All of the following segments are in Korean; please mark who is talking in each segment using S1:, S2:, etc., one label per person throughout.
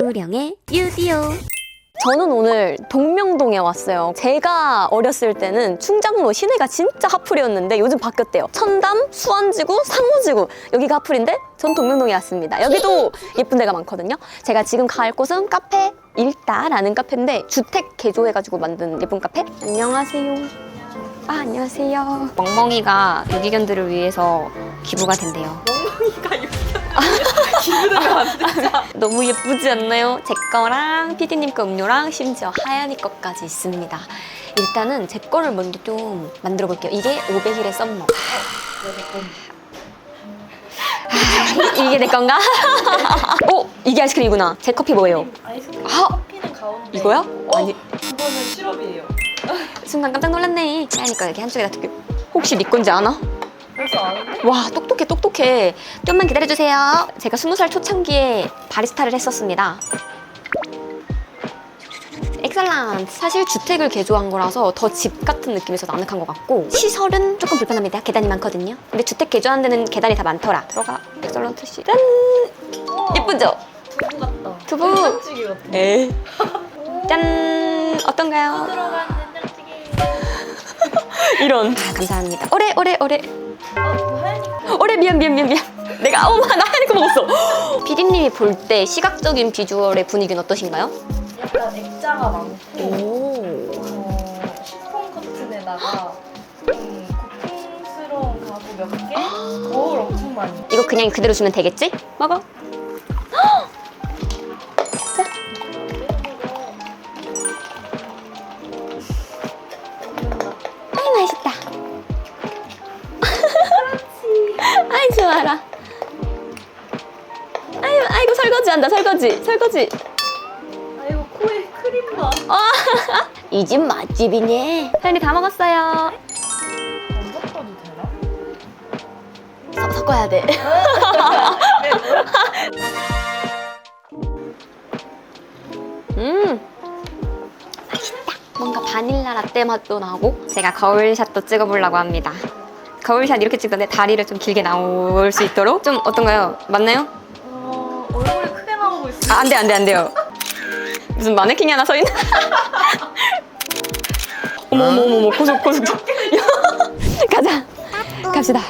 S1: 우령의 유디오. 저는 오늘 동명동에 왔어요. 제가 어렸을 때는 충장로 시내가 진짜 핫플이었는데 요즘 바뀌었대요. 천담, 수원지구, 상호지구 여기가 핫플인데 전 동명동에 왔습니다. 여기도 예쁜 데가 많거든요. 제가 지금 갈 곳은 카페 일다라는 카페인데 주택 개조해가지고 만든 예쁜 카페. 안녕하세요. 안녕하세요. 멍멍이가 유기견들을 위해서 기부가 된대요.
S2: 멍멍이가 유기견 기부되면 안 되죠?
S1: 너무 예쁘지 않나요? 제 거랑 피디님 거 음료랑 심지어 하얀이 거까지 있습니다. 일단은 제 거를 먼저 좀 만들어 볼게요. 이게 500일의 썸머. 이게 내 건가? 오! 이게 아이스크림이구나. 제 커피 뭐예요?
S2: 아이스크림
S1: 아!
S2: 커피는 가운데.
S1: 이거야? 아니.
S2: 이거는 시럽이에요.
S1: 순간 깜짝 놀랐네. 하얀이 거 여기 한쪽에다 두게. 혹시 네 건지 아나?
S2: 벌써 아는데?
S1: 와, 똑똑해. 좀만 기다려주세요. 제가 20살 초창기에 바리스타를 했었습니다. 엑셀런트. 사실 주택을 개조한 거라서 더 집 같은 느낌에서 나늑한 것 같고 시설은 조금 불편합니다. 계단이 많거든요. 근데 주택 개조한 데는 계단이 다 많더라. 들어가. 엑셀런트 시간. 예쁘죠?
S2: 두부 같다.
S1: 두부.
S2: 된장찌개 같아.
S1: 에. 짠. 어떤가요?
S2: 들어간 된장찌개.
S1: 이런. 감사합니다. 오래.
S2: 하얀이 거.
S1: 오래 미안. 내가 나 하얀 거 먹었어. 피디님이 볼 때 시각적인 비주얼의 분위기는 어떠신가요?
S2: 약간 액자가 많고
S1: 오.
S2: 시폰 커튼에다가 고풍스러운 가구 몇 개? 거울 엄청 많이.
S1: 이거 그냥 그대로 주면 되겠지? 먹어. 아이 맛있다. 아이 좋아라. 아이고 설거지한다. 설거지.
S2: 아이고 코에 크림 봐.
S1: 이 집 맛집이네. 혜연이 다 먹었어요.
S2: 안 섞어도 되나?
S1: 섞어야 돼. 맛있다. 뭔가 바닐라 라떼 맛도 나고. 제가 거울샷도 찍어보려고 합니다. 거울샷 이렇게 찍던데 다리를 좀 길게 나올 수 있도록 좀 어떤가요? 맞나요?
S2: 얼굴이 크게 나오고 있어.
S1: 안 돼요. 무슨 마네킹이 하나 서 있나? 어머 고속. 가자. 갑시다.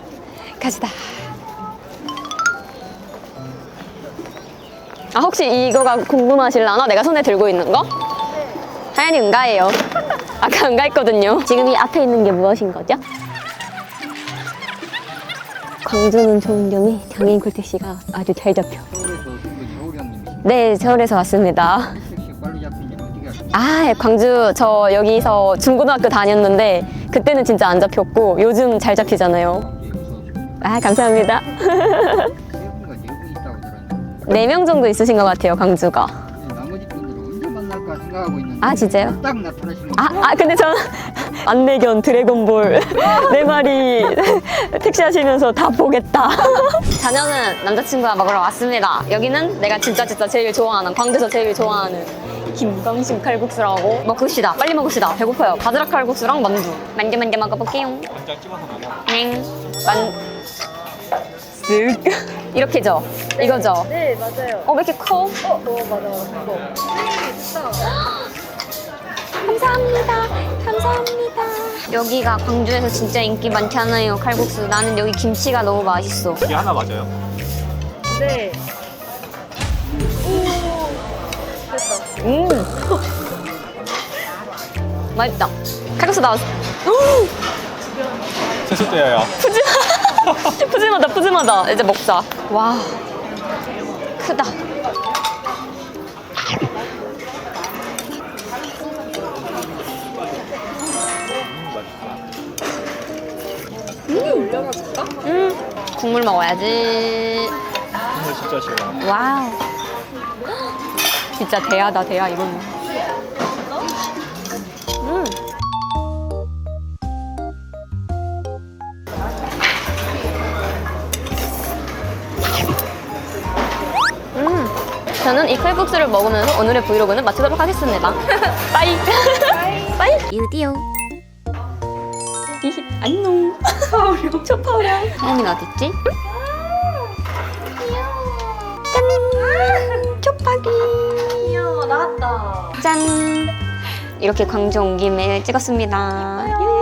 S1: 혹시 이거가 궁금하실라나? 내가 손에 들고 있는 거? 하얀이 응가예요. 아까 응가했거든요. 지금 이 앞에 있는 게 무엇인 거죠? 광주는 좋은 점이 장애인 콜택시가 아주 잘 잡혀.
S3: 서울에서 오신 분이 서울형님이신가요?
S1: 네, 서울에서 왔습니다.
S3: 택시 빨리 잡힌지 어떻게 아세요?
S1: 광주 저 여기서 중고등학교 다녔는데 그때는 진짜 안 잡혔고 요즘 잘 잡히잖아요.
S3: 이제 어서 오십시오.
S1: 감사합니다.
S3: 세 분과 네 분 있다고 들었는데
S1: 4명 정도 있으신 것 같아요, 광주가.
S3: 나머지 분들은 언제 만날까 생각하고 있는데
S1: 진짜요?
S3: 딱 나타나시면
S1: 근데 전 안내견 드래곤볼 4마리 택시 하시면서 다 보겠다. 자녀는 남자친구와 먹으러 왔습니다. 여기는 내가 진짜 제일 좋아하는, 광주에서 제일 좋아하는 김광식 칼국수라고. 먹읍시다. 빨리 먹읍시다. 배고파요. 바지락 칼국수랑 만두 먹어볼게요.
S4: 간장 찍어서 먹어.
S1: 쓱. 이렇게죠? 이거죠?
S2: 네 맞아요.
S1: 왜 이렇게 커?
S2: 맞아. 이거.
S1: 감사합니다. 여기가 광주에서 진짜 인기 많잖아요, 칼국수. 나는 여기 김치가 너무 맛있어.
S4: 이게 하나 맞아요?
S2: 네.
S1: 맛있다. 칼국수 나왔어.
S4: 세숫대야야.
S1: 푸짐하다. 이제 먹자. 와, 크다.
S2: 올려놔줄까?
S1: 국물 먹어야지.
S4: 정말 진짜 시원해.
S1: 와우. 진짜 대야다, 이거는. 저는 이 칼국수를 먹으면서 오늘의 브이로그는 마치도록 하겠습니다. 빠이. 유디오. 안녕. 초파우령. 하얀이는 어딨지? 짠. 초파이. 귀여워, 나왔다. 짠! 이렇게 광주 온 김에 찍었습니다.